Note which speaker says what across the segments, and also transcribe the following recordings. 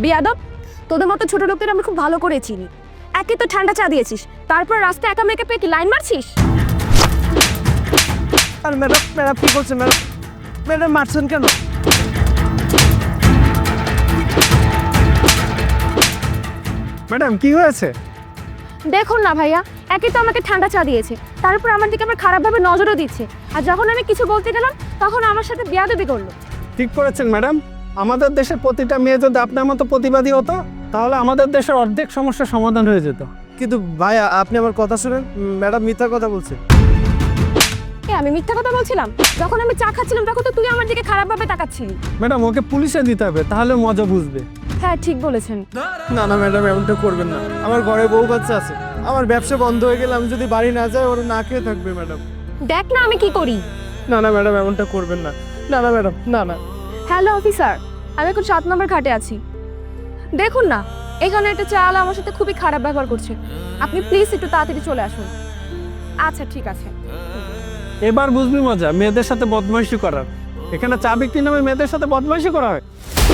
Speaker 1: বেয়াদব, তোদের মতো ছোট লোকদের আমি খুব ভালো করে চিনি। একে তো ঠান্ডা চা দিয়েছিস, তারপর রাস্তায় একা মেয়েকে পেয়ে কি লাইন মারছিস?
Speaker 2: আর ম্যাডাম ম্যাডাম কি করছেন ম্যাডাম? ম্যাডাম মারছেন কেন? ম্যাডাম কি হয়েছে?
Speaker 1: দেখুন না ভাইয়া, একে তো আমাকে ঠান্ডা চা দিয়েছে, তারপর আমার দিকে আমার খারাপভাবে নজরও দিচ্ছে, আর যখন আমি কিছু বলতে গেলাম তখন আমার সাথে বেয়াদবি করলো।
Speaker 2: ঠিক করেছেন ম্যাডাম। আমাদের দেশের প্রতিটা মেয়ে যদি আপনার মতো প্রতিবাদী হতো তাহলে আমাদের দেশের অর্ধেক সমস্যার সমাধান হয়ে যেত। কিন্তু ভাইয়া আপনি আমার কথা শুনেন, ম্যাডাম মিথ্যা কথা বলছে।
Speaker 1: আমি মিথ্যা কথা বলছিলাম? যখন আমি চা খাচ্ছিলাম তখন তো তুই আমার দিকে খারাপভাবে তাকাচ্ছিলি।
Speaker 2: ম্যাডাম ওকে পুলিশে দিতে হবে, তাহলে মজা বুঝবে।
Speaker 1: হ্যাঁ ঠিক বলেছেন।
Speaker 2: না না ম্যাডাম, এমনটা করবেন না। আমার ঘরে বউ বাচ্চা আছে, আমার ব্যবসা বন্ধ হয়ে গেলে আমি যদি বাড়ি না যাই ওরা না খেয়ে থাকবে ম্যাডাম।
Speaker 1: দেখ না আমি কি করি।
Speaker 2: না না ম্যাডাম, এমনটা করবেন না। না না ম্যাডাম, না না।
Speaker 1: হ্যালো অফিসার, আমি এখন 7 নম্বর ঘাটে আছি। দেখুন না, এখানে একটা চাল আমার সাথে খুবই খারাপ ব্যবহার করছে। আপনি প্লিজ একটু তাড়াতাড়ি চলে আসুন। আচ্ছা ঠিক আছে।
Speaker 2: এবার বুঝবি মজা মেয়েদের সাথে বদমাইশি করার। এখানে চা বিক্রি নামে মেয়েদের সাথে বদমাইশি করা হয়।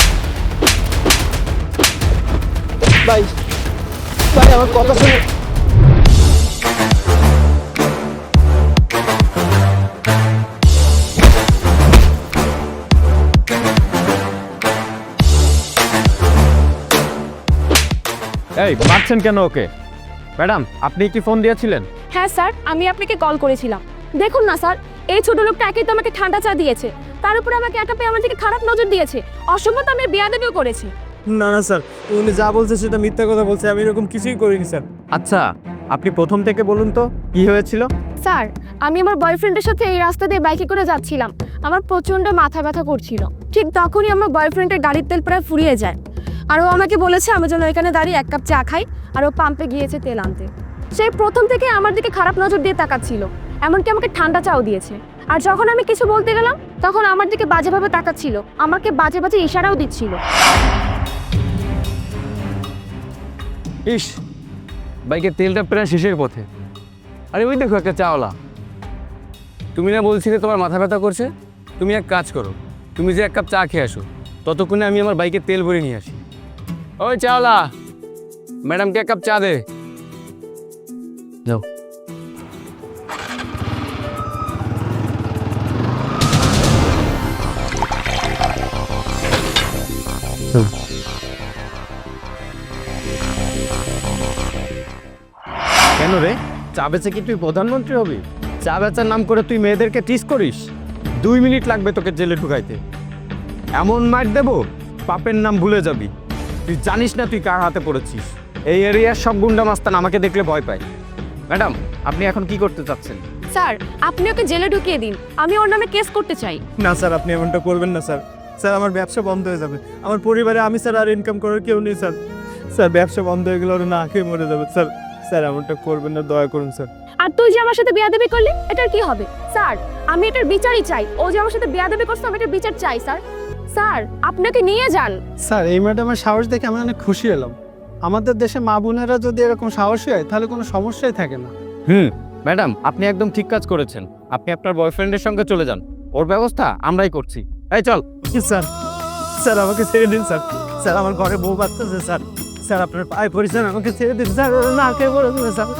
Speaker 2: ভাই ভাই আমার কথা শুনে।
Speaker 3: এই মারছেন কেন ওকে? ম্যাডাম আপনি কি ফোন দিয়েছিলেন?
Speaker 1: হ্যাঁ স্যার, আমি আপনাকে কল করেছিলাম। দেখুন না স্যার, এই ছোট লোকটা একেই তো আমাকে ঠান্ডা চা দিয়েছে, তার উপরে আমাকে একা পেয়ে আমার দিকে খারাপ নজর দিয়েছে, অসম্ভব আমি বেয়াদবিও করেছে।
Speaker 2: না না স্যার, উনি যা বলছে সেটা মিথ্যা কথা বলছে, আমি এরকম কিছুই করিনি স্যার।
Speaker 3: আচ্ছা আপনি প্রথম থেকে বলুন তো কি হয়েছিল?
Speaker 1: স্যার, আমি আমার বয়ফ্রেন্ডের সাথে এই রাস্তা দিয়ে বাইকে করে যাচ্ছিলাম। আমার প্রচন্ড মাথা ব্যথা করছিল। ঠিক তখনই আমার বয়ফ্রেন্ডের গাড়ির তেল প্রায় ফুরিয়ে যায়, আর ও আমাকে বলেছে আমি যেন এখানে দাঁড়িয়ে 1 কাপ চা খাই, আর ও পাম্পে গিয়েছে তেল আনতে। সেই প্রথম থেকে আমার দিকে খারাপ নজর দিয়ে তাকাচ্ছিল, এমনকি আমাকে ঠান্ডা চাও দিয়েছে। আর যখন আমি কিছু বলতে গেলাম তখন আমার দিকে বাজেভাবে তাকাচ্ছিল, আমাকে বাজে বাজে ইশারাও দিচ্ছিল।
Speaker 3: ইস, বাইকের তেলটা প্রায় শেষের পথে। আরে ওই দেখো একটা চাওলা। তুমি না বলছিলে তোমার মাথা ব্যথা করছে? তুমি এক কাজ করো, তুমি যে 1 কাপ চা খেয়ে আসো, ততক্ষণে আমি আমার বাইকের তেল ভরে নিয়ে আসি। ওই চাওলা, ম্যাডামকে 1 কাপ চা দে। যাও। কেন রে, চা বেচে কি তুই প্রধানমন্ত্রী হবি? চা বেচার নাম করে তুই মেয়েদেরকে টিস করিস? 2 মিনিট লাগবে তোকে জেলে ঢুকাইতে। এমন মার দেবো পাপের নাম ভুলে যাবি। তুই জানিস না তুই কার হাতে পড়েছিস। এই এরিয়ার সব গুন্ডা মাস্তান আমাকে দেখলে ভয় পায়। ম্যাডাম আপনি এখন কি করতে চাচ্ছেন?
Speaker 1: স্যার, আপনি ওকে জেলে ঢুকিয়ে দিন, আমি ওর নামে কেস করতে চাই।
Speaker 2: না স্যার, আপনি এমনটা করবেন না স্যার। স্যার আমার ব্যবসা বন্ধ হয়ে যাবে, আমার পরিবারে আমি স্যার আর ইনকাম করার কেউ নেই স্যার। স্যার ব্যবসা বন্ধ হয়ে গেলে ওরা না খেয়ে মরে যাবে স্যার। স্যার এমনটা করবেন না, দয়া করুন স্যার।
Speaker 1: আর তুই যে আমার সাথে বেয়াদবি করলি, এটার কি হবে? স্যার, আমি এটার বিচারই চাই। ও যে আমার সাথে বেয়াদবি করছে, আমি এটার বিচার চাই স্যার। স্যার, আপনাকে নিয়ে যান।
Speaker 2: স্যার এই ম্যাডামের সাহস দেখে আমি অনেক খুশি হলাম। আমাদের দেশে মা বোনেরা যদি এরকম সাহসী হয় তাহলে কোনো সমস্যাই থাকে না।
Speaker 3: ম্যাডাম আপনি একদম ঠিক কাজ করেছেন। আপনি আপনার বয়ফ্রেন্ডের সঙ্গে চলে যান, ওর ব্যবস্থা আমরাই করছি। এই চল।
Speaker 2: স্যার স্যার আমাকে ছেড়ে দিন স্যার। স্যার আমার ঘরে বউ বাচ্চা আছে স্যার। স্যার আপনার পায়ে পড়েছেন, আমাকে ছেড়ে দিন স্যার, ওরা না খেয়ে পড়ে দেবে স্যার।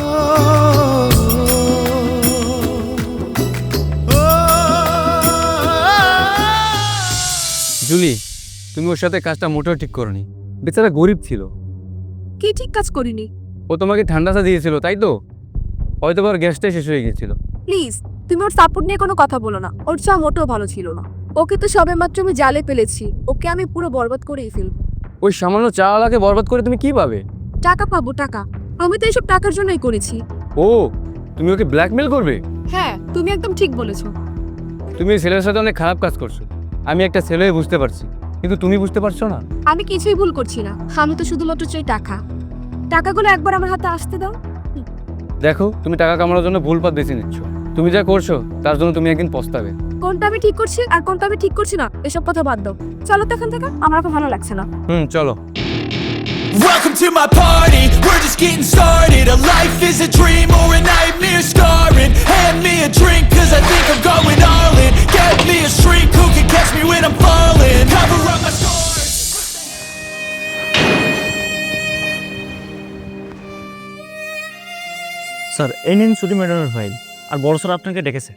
Speaker 3: জুলি, তুমি ওর সাথে কাজটা মোটেও ঠিক করনি। বেচারা গরিব ছিল।
Speaker 1: কি ঠিক কাজ করিনি?
Speaker 3: ও তোমাকে ঠান্ডা চা দিয়েছিল তাই তো? হয়তো ওর গ্যাসটাই শেষ হয়ে গিয়েছিল।
Speaker 1: প্লিজ, তুমি ওর সাপোর্ট নিয়ে কোনো কথা বলো না। ওর চা মোটেও ভালো ছিল না। ওকে তো সবেমাত্র আমি জালে ফেলেছি, ওকে আমি পুরো বরবাদ করেই ফেলবো।
Speaker 3: ওই সামান্য চাওয়ালাকে বরবাদ করে তুমি কি পাবে?
Speaker 1: টাকা পাবো, টাকা। আমি তো এইসব টাকার জন্যই করেছি।
Speaker 3: ও, তুমি ওকে ব্ল্যাকমেল করবে?
Speaker 1: হ্যাঁ, তুমি একদম ঠিক বলেছো।
Speaker 3: তুমি এই ছেলের সাথে অনেক খারাপ কাজ করছো। আমি একটা ছেলে হয়ে বুঝতে পারছি, কিন্তু তুমি বুঝতে পারছো না।
Speaker 1: আমি কিছুই ভুল করছি না, আমি তো শুধুমাত্র চাই টাকা। টাকাগুলো একবার আমার হাতে আসতে দাও।
Speaker 3: দেখো, তুমি টাকা কামানোর জন্য ভুল পথ বেছে নিচ্ছ। তুমি যা করছো তার জন্য তুমি একদিন পস্তাবে।
Speaker 1: কোনটা আমি ঠিক করছি আর কোনটা আমি ঠিক করছি না এসব কথা বাদ দাও। চলো তো এখান থেকে, আমার এখন ভালো লাগছে না।
Speaker 3: চলো।
Speaker 4: Welcome to my party, we're just getting started. A life is a dream or a nightmare scarring. Hand me a drink cause I think I'm going all in. Get me a shrink who can catch me when I'm falling. Cover up my scars.
Speaker 5: Sir এই নিন ছুটি ম্যাডামের file, আর বড় sir আপনাকে ডেকেছে।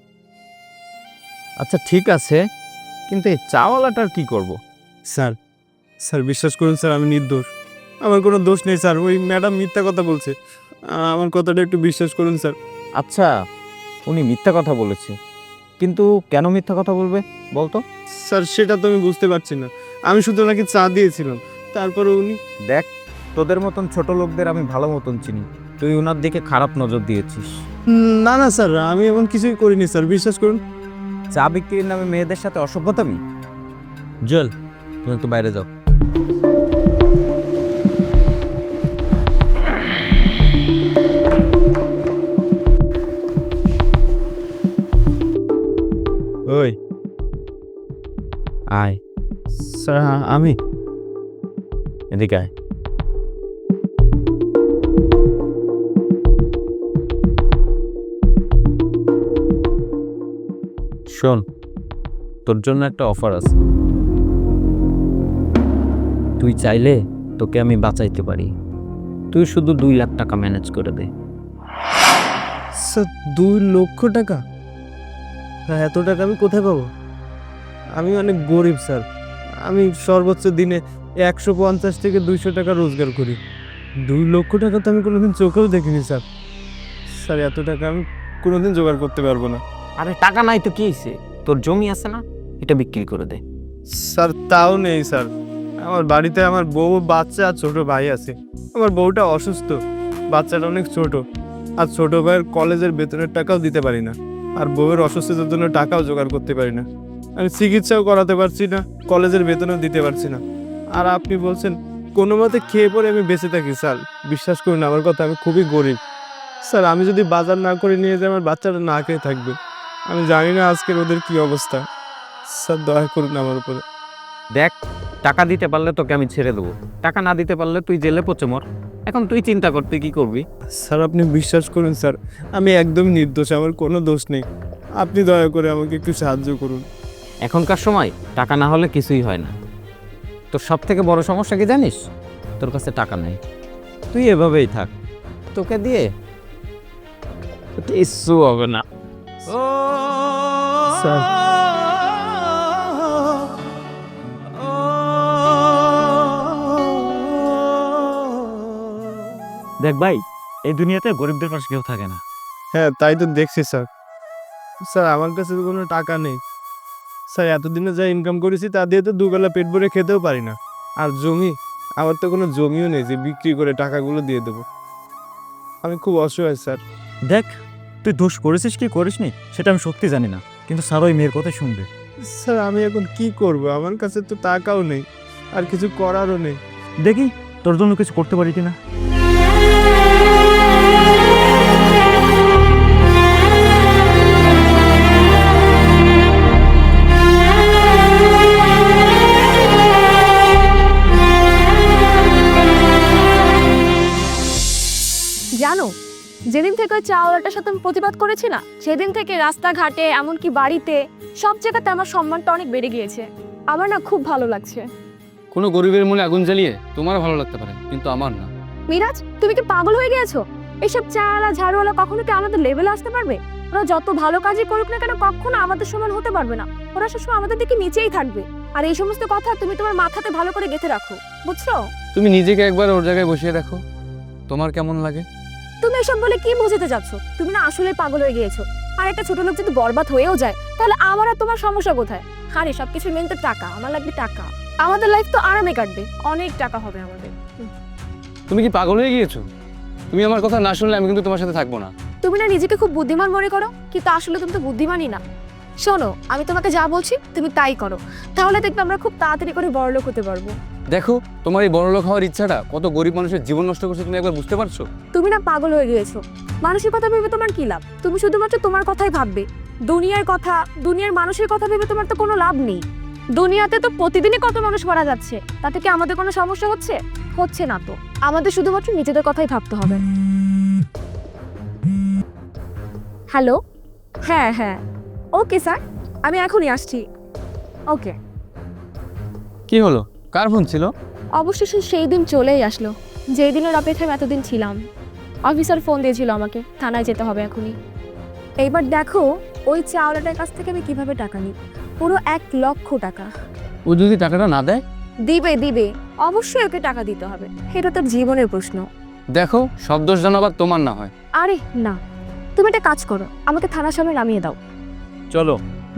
Speaker 3: আচ্ছা ঠিক আছে, কিন্তু এই চাওয়ালাটার কি করব?
Speaker 2: স্যার স্যার বিশ্বাস করুন স্যার, আমি নির্দোষ, আমার কোনো দোষ নেই স্যার। ওই ম্যাডাম মিথ্যা কথা বলছে, আমার কথাটা একটু বিশ্বাস করুন স্যার।
Speaker 3: আচ্ছা উনি মিথ্যা কথা বলেছে, কিন্তু কেন মিথ্যা কথা বলবে বলতো?
Speaker 2: স্যার সেটা তো আমি বুঝতে পারছি না, আমি শুধু ওনাকে চা দিয়েছিলাম, তারপরে উনি
Speaker 3: দেখ, তোদের মতন ছোট লোকদের আমি ভালো মতন চিনি, তুই ওনার দিকে খারাপ নজর দিয়েছিস।
Speaker 2: না না স্যার, আমি এমন কিছুই করিনি স্যার, বিশ্বাস করুন।
Speaker 3: চা বিক্রির নামে মেয়েদের সাথে অসভ্যতামি। জল, তুমি একটু বাইরে যাও।
Speaker 2: ওই
Speaker 3: আয়
Speaker 2: স্যার, আমি
Speaker 3: এদিকে আয়। শোন, তোর জন্য একটা অফার আছে। তুই চাইলে তোকে আমি বাঁচাইতে পারি, তুই শুধু 2 লাখ টাকা ম্যানেজ করে দে।
Speaker 2: স্যার 2 লক্ষ টাকা? হ্যাঁ, এত টাকা আমি কোথায় পাবো? আমি অনেক গরিব স্যার, আমি সর্বোচ্চ দিনে 150 থেকে 200 টাকা রোজগার করি। 2 লক্ষ টাকা তো আমি কোনোদিন চোখেও দেখিনি স্যার। স্যার এত টাকা আমি কোনোদিন জোগাড় করতে পারবো না।
Speaker 3: আরে টাকা নাই তো কি হয়েছে, তোর জমি আছে না, এটা বিক্রি করে দে।
Speaker 2: স্যার তাও নেই স্যার, আমার বাড়িতে আমার বউ, বাচ্চা আর ছোট ভাই আছে। আমার বউটা অসুস্থ, বাচ্চাটা অনেক ছোট, আর ছোট ভাইয়ের কলেজের বেতনের টাকাও দিতে পারি না, আর বউয়ের অসুস্থতার জন্য টাকাও জোগাড় করতে পারি না। আমি চিকিৎসাও করাতে পারছি না, কলেজের বেতনও দিতে পারছি না। আর আপনি বলছেন কোনো মতে খেয়ে পরে আমি বেঁচে থাকি? স্যার বিশ্বাস করুন আমার কথা, আমি খুবই গরিব স্যার। আমি যদি বাজার না করে নিয়ে যাই, আমার বাচ্চাটা না খেয়ে থাকবে। আমি জানি না আজকের ওদের কি অবস্থা। স্যার দয়া করুন আমার উপরে।
Speaker 3: দেখ, টাকা দিতে পারলে তোকে আমি ছেড়ে দেবো, টাকা না দিতে পারলে তুই জেলে পচে মর। এখন তুই চিন্তা কর তুই কি করবি।
Speaker 2: স্যার আপনি বিশ্বাস করুন স্যার, আমি একদম নির্দোষ, আমার কোনো দোষ নেই। আপনি দয়া করে আমাকে একটু সাহায্য করুন।
Speaker 3: এখনকার সময় টাকা না হলে কিছুই হয় না। তোর সব থেকে বড় সমস্যা কি জানিস? তোর কাছে টাকা নেই। তুই এভাবেই থাক, তোকে দিয়ে কিচ্ছু হবে না।
Speaker 2: স্যার
Speaker 5: দেখ ভাই, এই দুনিয়াতে গরিবদের পাশে কেউ থাকে না।
Speaker 2: হ্যাঁ তাই তো দেখছি স্যার। স্যার আমার কাছে তো কোনো টাকা নেই স্যার, এতদিনে যা ইনকাম করেছি তা দিয়ে তো দুবেলা পেট ভরে খেতেও পারি না। আর জমি, আমার তো কোনো জমিও নেই যে বিক্রি করে টাকাগুলো দিয়ে দেবো। আমি খুব অসহায় স্যার।
Speaker 5: দেখ, তুই দোষ করেছিস কি করিসনি সেটা আমি সত্যি জানি না, কিন্তু স্যার ওই মেয়ের কথা শুনবে।
Speaker 2: স্যার আমি এখন কি করব? আমার কাছে তো টাকাও নেই, আর কিছু করারও নেই।
Speaker 5: দেখি তোর জন্য কিছু করতে পারি কিনা।
Speaker 1: জানো, যেদিন থেকে ওই চাওয়ালাটার সাথে আমি প্রতিবাদ করেছি না, সেদিন থেকে রাস্তাঘাটে এমনকি বাড়িতে সব জায়গাতে আমার সম্মানটা অনেক বেড়ে গিয়েছে। আমার না খুব ভালো লাগছে।
Speaker 6: কোনো গরিবের মনে আগুন জ্বালিয়ে তোমার ভালো লাগতে পারে, কিন্তু আমার না।
Speaker 1: মিরাজ, তুমি কি পাগল হয়ে গিয়েছো? এইসব চাওয়ালা ঝাড়ুওয়ালা কখনো কি আমাদের লেভেলে আসতে পারবে? ওরা যত ভালো কাজই করুক না কেন, কখনো আমাদের সমান হতে পারবে না। ওরা সবসময় আমাদের দিকে নিচেই থাকবে। আর এই সমস্ত কথা তুমি তোমার মাথাতে ভালো করে গেঁথে রাখো, বুঝছো?
Speaker 6: তুমি নিজেকে একবার ওর জায়গায় বসিয়ে দেখো, তোমার কেমন লাগে?
Speaker 1: তুমি এসব বলে কি বোঝাতে যাচ্ছ? তুমি না আসলে পাগল হয়ে গিয়েছো। আর একটা ছোট লোক যদি বরবাদ হয়েও যায়, তাহলে আমার আর তোমার সমস্যা কোথায়? আরে সবকিছু মেন তো টাকা, আমার লাগবে টাকা। আমাদের লাইফ তো আরামে কাটবে, অনেক টাকা হবে আমাদের।
Speaker 6: তুমি কি পাগল হয়ে গিয়েছো? তুমি আমার কথা না শুনলে আমি কিন্তু তোমার সাথে থাকবো না।
Speaker 1: তুমি না নিজেকে খুব বুদ্ধিমান মনে করো, কিন্তু আসলে তুমি তো বুদ্ধিমানই না। শোনো, আমি তোমাকে যা বলছি তুমি তাই করো, তাহলে দেখবে আমরা খুব তাড়াতাড়ি করে বড়লোক হতে পারবো।
Speaker 6: দেখো, তোমার এই বড়লোক হওয়ার ইচ্ছাটা কত গরিব মানুষের জীবন নষ্ট করছে, তুমি একবার বুঝতে পারছো?
Speaker 1: তুমি না পাগল হয়ে গিয়েছো। মানুষের কথা ভেবে তোমার কি লাভ? তুমি শুধুমাত্র তোমার কথাই ভাববে। দুনিয়ার কথা, দুনিয়ার মানুষের কথা ভেবে তোমার তো কোনো লাভ নেই। দুনিয়াতে তো প্রতিদিনই কত মানুষ মারা যাচ্ছে, তাতে কি আমাদের কোনো সমস্যা হচ্ছে? হচ্ছে না তো। আমাদের শুধুমাত্র নিজেদের কথাই ভাবতে হবে। হ্যালো, হ্যাঁ হ্যাঁ, ওকে স্যার, আমি এখনই আসছি। ওকে।
Speaker 6: কি হলো, কার ফোন ছিল?
Speaker 1: অবশেষে সেই দিন চলেই আসলো, যেই দিনের অপেক্ষায় এতদিন ছিলাম। অফিসার ফোন দিয়েছিল আমাকে, থানায় যেতে হবে এখনই। এইবার দেখো ওই চাওলাটার কাছ থেকে আমি কিভাবে টাকা নিই, পুরো 1 লক্ষ টাকা।
Speaker 6: ও যদি টাকাটা না দেয়?
Speaker 1: দিবে দিবে, অবশ্যই ওকে টাকা দিতে হবে, এটা তোর জীবনের প্রশ্ন।
Speaker 6: দেখো, সব দোষ যেন আবার তোমার না হয়।
Speaker 1: আরে না, তুমি একটা কাজ করো, আমাকে থানার সামনে নামিয়ে দাও।
Speaker 5: চলো।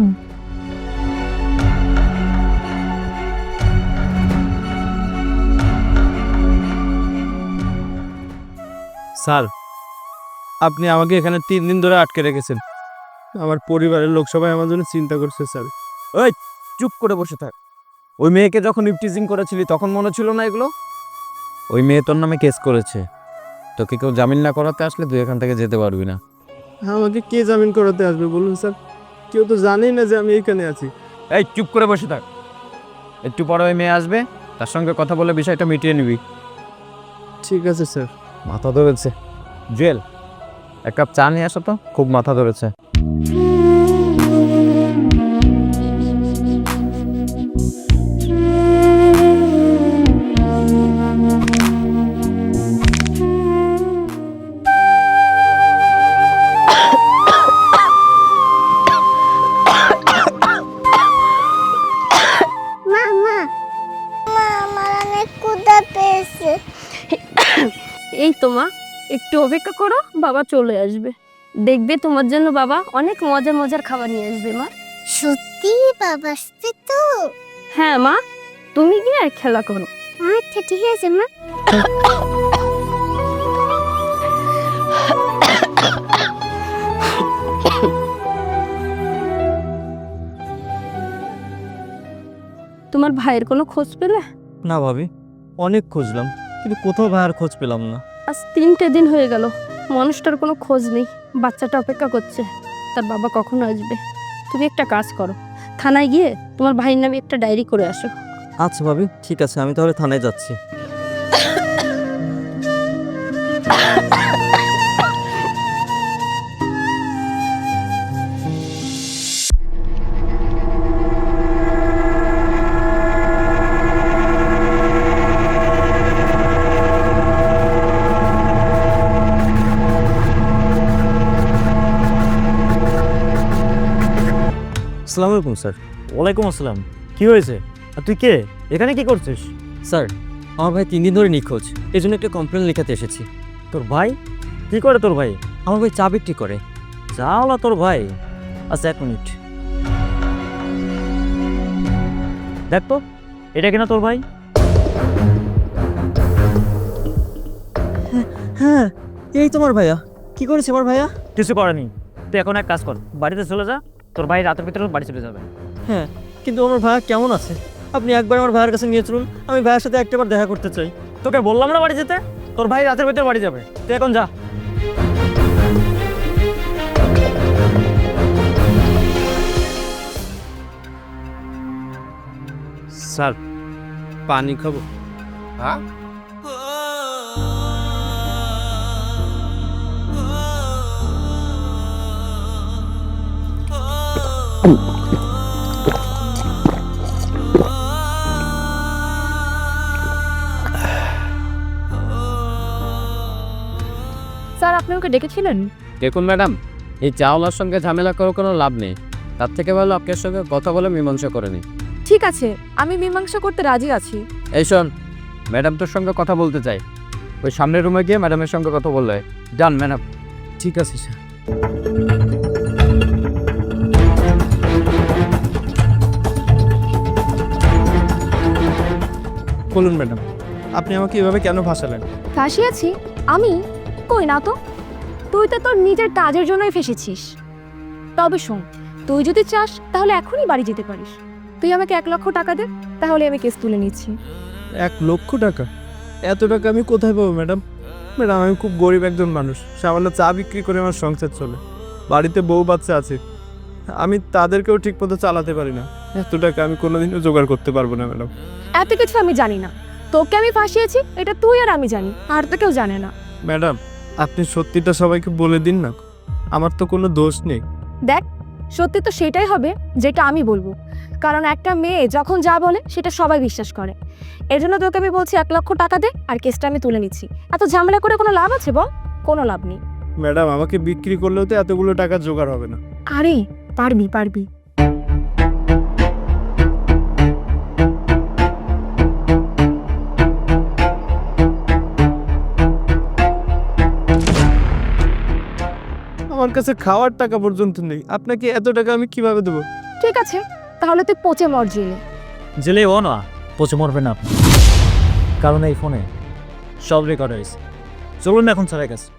Speaker 2: স্যার, আপনি আমাকে এখানে 3 দিন ধরে আটকে রেখেছেন। আমার পরিবারের লোক সবাই আমার জন্য চিন্তা করছে স্যার।
Speaker 3: ওই চুপ করে বসে থাক। ওই মেয়েকে যখন ইপটিজিং করেছিলি তখন মনে ছিল না এগুলো? ওই মেয়ে তোর নামে কেস করেছে, তোকে কেউ জামিন না করাতে আসলে তুই এখান থেকে যেতে পারবি না।
Speaker 2: আমাকে কে জামিন করাতে আসবে বলুন স্যার? কেউ তো জানেই না যে আমি এখানে আছি।
Speaker 3: এই চুপ করে বসে থাক। একটু পরে ওই মেয়ে আসবে, তার সঙ্গে কথা বলে বিষয়টা মিটিয়ে নিবি।
Speaker 2: ঠিক আছে স্যার।
Speaker 3: মাথা ধরেছে। জুয়েল, 1 কাপ চা নিয়ে আসো তো, খুব মাথা ধরেছে।
Speaker 7: আমার অনেক ক্ষুধা পেয়েছে।
Speaker 1: এই তো মা, একটু অপেক্ষা করো, বাবা চলে আসবে। দেখবে তোমার জন্য বাবা অনেক মজার মজার খাবার নিয়ে আসবে মা।
Speaker 7: সত্যি বাবা আসছে তো?
Speaker 1: হ্যাঁ মা, তুমি গিয়ে খেলা করো।
Speaker 7: আচ্ছা ঠিক আছে মা।
Speaker 1: তোমার ভাইয়ের কোনো খোঁজ পেলে?
Speaker 5: না ভাবি, অনেক খুঁজলাম কিন্তু কোথাও ভাইয়ার খোঁজ পেলাম না।
Speaker 1: আজ 3টে দিন হয়ে গেল, মানুষটার কোনো খোঁজ নেই। বাচ্চাটা অপেক্ষা করছে তার বাবা কখন আসবে। তুমি একটা কাজ করো, থানায় গিয়ে তোমার ভাইয়ের নামে একটা ডায়েরি করে আসো।
Speaker 5: আচ্ছা ভাবি, ঠিক আছে, আমি তাহলে থানায় যাচ্ছি। আসসালামু আলাইকুম স্যার। ওয়ালাইকুম আসসালাম। কি হয়েছে? আর তুই কে? এখানে কি করছিস?
Speaker 8: স্যার, আমার ভাই 3 দিন ধরে নিখোঁজ, এই জন্য একটা কমপ্লেন লেখাতে এসেছি।
Speaker 5: তোর ভাই? কি করে তোর ভাই?
Speaker 8: আমার ভাই চা বিক্রি করে।
Speaker 5: যাওলা তোর ভাই? আচ্ছা 1 মিনিট, দেখ তো এটা কিনা তোর ভাই?
Speaker 8: হ্যাঁ, এই তোমার ভাইয়া। কি করেছে আমার ভাইয়া?
Speaker 5: কিছু করেনি। তুই এখন এক কাজ কর, বাড়িতে চলে যা, তোর ভাই রাতের ভিতরে বাড়ি চলে যাবে।
Speaker 8: হ্যাঁ, কিন্তু আমার ভাইয়া কেমন আছে? আপনি একবার আমার ভাইয়ের কাছে নিয়ে চলুন, আমি ভাইয়ের সাথে একটাবার দেখা করতে চাই।
Speaker 5: তোকে বললাম না বাড়ি যেতে? তোর ভাই রাতের ভিতরে বাড়ি যাবে, তুই এখন যা।
Speaker 2: স্যার, পানি খাবো?
Speaker 3: হ্যাঁ?
Speaker 1: স্যার, আপনি ওকে ডেকেছিলেন?
Speaker 6: দেখুন ম্যাডাম, এই চাওলার সঙ্গে ঝামেলা করে কোনো লাভ নেই। তার থেকে ভালো আপনার সঙ্গে কথা বলে মীমাংসা করে নিই।
Speaker 1: ঠিক আছে, আমি মীমাংসা করতে রাজি আছি।
Speaker 6: এই শোন, ম্যাডাম তোর সঙ্গে কথা বলতে চাই। ওই সামনের রুমে গিয়ে ম্যাডামের সঙ্গে কথা বললে। Done madam.
Speaker 2: ঠিক আছে স্যার। বলুন ম্যাডাম, আপনি আমাকে এভাবে কেন ফাঁসালেন?
Speaker 1: ফাঁসিয়েছি আমি? কই না তো, তুই তো তোর নিজের কাজের জন্যই ফেসেছিস। তবে শোন, তুই যদি চাস তাহলে এখনই বাড়ি যেতে পারিস। তুই আমাকে 1 লক্ষ টাকা দে, তাহলে আমি কেস তুলে নিচ্ছি।
Speaker 2: 1 লক্ষ টাকা? এত টাকা আমি কোথায় পাবো ম্যাডাম? ম্যাডাম, আমি খুব গরিব একজন মানুষ, সামান্য চা বিক্রি করে আমার সংসার চলে। বাড়িতে বউ বাচ্চা আছে, আমি তাদেরকেও ঠিকমতো চালাতে পারি না। এত টাকা আমি কোনোদিনও জোগাড় করতে পারবো না ম্যাডাম।
Speaker 1: এত কিছু আমি জানি না, তোকে আমি ফাঁসিয়েছি এটা তুই আর আমি জানি, আর তো কেউ জানে না।
Speaker 2: ম্যাডাম, আপনি সত্যিটা সবাইকে বলে দিন না, আমার তো কোনো দোষ নেই।
Speaker 1: দেখ, সত্যি তো সেটাই হবে যেটা আমি বলবো, কারণ একটা মেয়ে যখন যা বলে সেটা সবাই বিশ্বাস করে। এর জন্য তোকে আমি বলছি 1 লক্ষ টাকা দে, আর কেসটা আমি তুলে নিচ্ছি। এত ঝামেলা করে কোনো লাভ আছে বল? কোনো লাভ নেই।
Speaker 2: ম্যাডাম আমাকে বিক্রি করলেও তো এতগুলো টাকা জোগাড় হবে না।
Speaker 1: আরে পারবি পারবি।
Speaker 2: আমার কাছে খাওয়ার টাকা পর্যন্ত নেই, আপনাকে এত টাকা আমি কিভাবে দেবো?
Speaker 1: ঠিক আছে, তাহলে তুই পচে মর জেলে।
Speaker 5: জেলে ও না, পচে মরবে না আপনি, কারণ এই ফোনে সব রেকর্ড হয়েছে। চলুন না এখন স্যারের কাছে।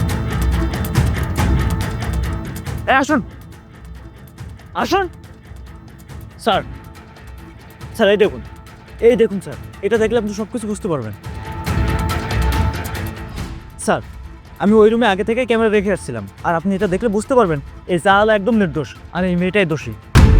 Speaker 5: আসুন আসুন স্যার। স্যার এই দেখুন, এই দেখুন স্যার, এটা দেখলে আপনি সব কিছু বুঝতে পারবেন। স্যার আমি ওই রুমে আগে থেকে ক্যামেরা রেখে আসছিলাম, আর আপনি এটা দেখলে বুঝতে পারবেন এই চাওয়ালা একদম নির্দোষ, আর এই মেয়েটাই দোষী।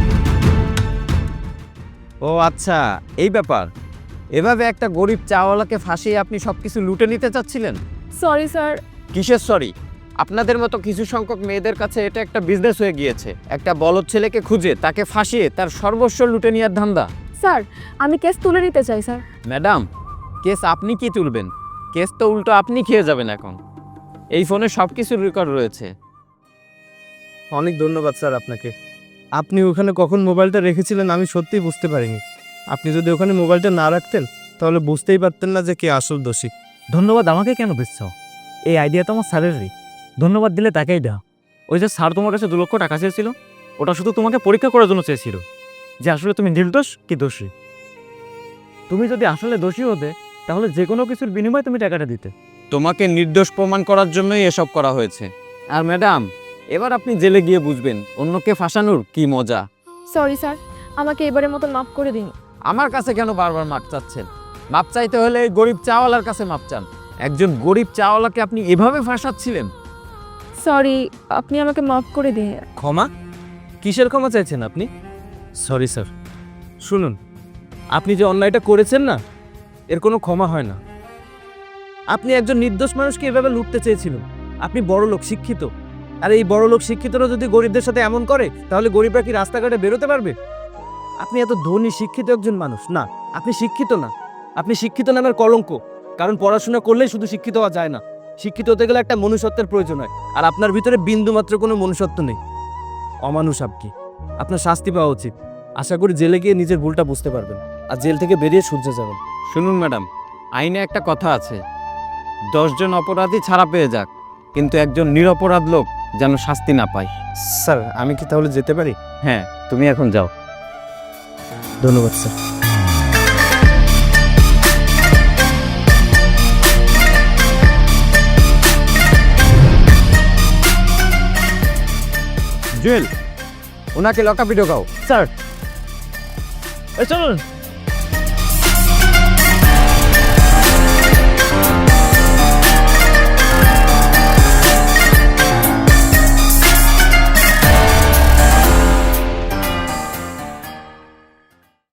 Speaker 3: ও আচ্ছা, এই ব্যাপার। এভাবে একটা গরিব চাওয়ালাকে ফাঁসিয়ে আপনি সব কিছু লুটে নিতে চাচ্ছিলেন?
Speaker 1: Sorry sir.
Speaker 3: কিসের সরি? আপনাদের মতো কিছু সংখ্যক মেয়েদের কাছে এটা একটা বিজনেস হয়ে গিয়েছে। একটা বলদ ছেলেকে খুঁজে তাকে ফাঁসিয়ে তার সর্বস্ব লুটে নেওয়ার ধান্দা।
Speaker 1: স্যার আমি কেস তুলে নিতে চাই স্যার।
Speaker 3: ম্যাডাম, কেস আপনি কি তুলবেন? কেস তো উল্টো আপনি খেয়ে যাবেন এখন। এই ফোনে সব কিছুর রেকর্ড রয়েছে।
Speaker 2: অনেক ধন্যবাদ স্যার আপনাকে। আপনি ওখানে কখন মোবাইলটা রেখেছিলেন আমি সত্যিই বুঝতে পারিনি। আপনি যদি ওখানে মোবাইলটা না রাখতেন তাহলে বুঝতেই পারতেন না যে কে আসল দোষী।
Speaker 5: ধন্যবাদ আমাকে কেন দিচ্ছ? এই আইডিয়া তো আমার স্যারেরই। ধন্যবাদ দিলে তাকেই দাও। ওই যে স্যার তোমার কাছে 2 লক্ষ টাকা চেয়েছিল, ওটা শুধু তোমাকে পরীক্ষা করার জন্য চেয়েছিল যে আসলে তুমি নির্দোষ কি দোষী। তুমি যদি আসলে দোষী হতে তাহলে যে কোনো কিছুর বিনিময়ে তুমি টাকাটা দিতে।
Speaker 3: তোমাকে নির্দোষ প্রমাণ করার জন্যই এসব করা হয়েছে। আর ম্যাডাম, এবার আপনি জেলে গিয়ে বুঝবেন অন্যকে ফাঁসানোর কি মজা।
Speaker 1: সরি স্যার, আমাকে এবারের মতো মাফ করে দিন।
Speaker 3: আমার কাছে কেন বারবার মাপ চাচ্ছেন? মাপ চাইতে হলে এই গরিব চাওয়ালার কাছে মাপ চান। একজন গরিব চাওয়ালাকে আপনি এভাবে ফাঁসাচ্ছিলেন।
Speaker 1: সরি, আপনি আমাকে মাফ করে দিন।
Speaker 2: ক্ষমা? কিসের ক্ষমা চাইছেন আপনি? Sorry sir. শুনুন, আপনি যে অন্যায়টা করেছেন না, এর কোনো ক্ষমা হয় না। আপনি একজন নির্দোষ মানুষকে এভাবে লুটতে চেয়েছিলেন। আপনি বড়লোক, শিক্ষিত, আর এই বড়লোক শিক্ষিতরা যদি গরিবদের সাথে এমন করে তাহলে গরিবরা কি রাস্তাঘাটে বেরোতে পারবে? আপনি এত ধনী শিক্ষিত একজন মানুষ না, আপনি শিক্ষিত না। আপনি শিক্ষিত নামের কলঙ্ক। কারণ পড়াশোনা করলেই শুধু শিক্ষিত হওয়া যায় না, শিক্ষিত হতে গেলে একটা মনুষ্যত্বের প্রয়োজন হয়। আর আপনার ভিতরে বিন্দুমাত্র কোনো মনুষ্যত্ব নেই। অমানুষ আপনি। আপনার শাস্তি পাওয়া উচিত। আশা করি জেলে গিয়ে নিজের ভুলটা বুঝতে পারবেন, আর জেল থেকে বেরিয়ে সূর্যে যাবেন।
Speaker 3: শুনুন ম্যাডাম, আইনে একটা কথা আছে, 10 জন অপরাধী ছাড়া পেয়ে যাক, কিন্তু একজন নিরপরাধ লোক যেন শাস্তি না পায়।
Speaker 2: স্যার আমি কি তাহলে যেতে পারি?
Speaker 3: হ্যাঁ, তুমি এখন যাও।
Speaker 2: ধন্যবাদ স্যার।
Speaker 3: জুয়েল, ওনাকে লকআপে ঢোকাও।
Speaker 5: স্যার এই চলুন।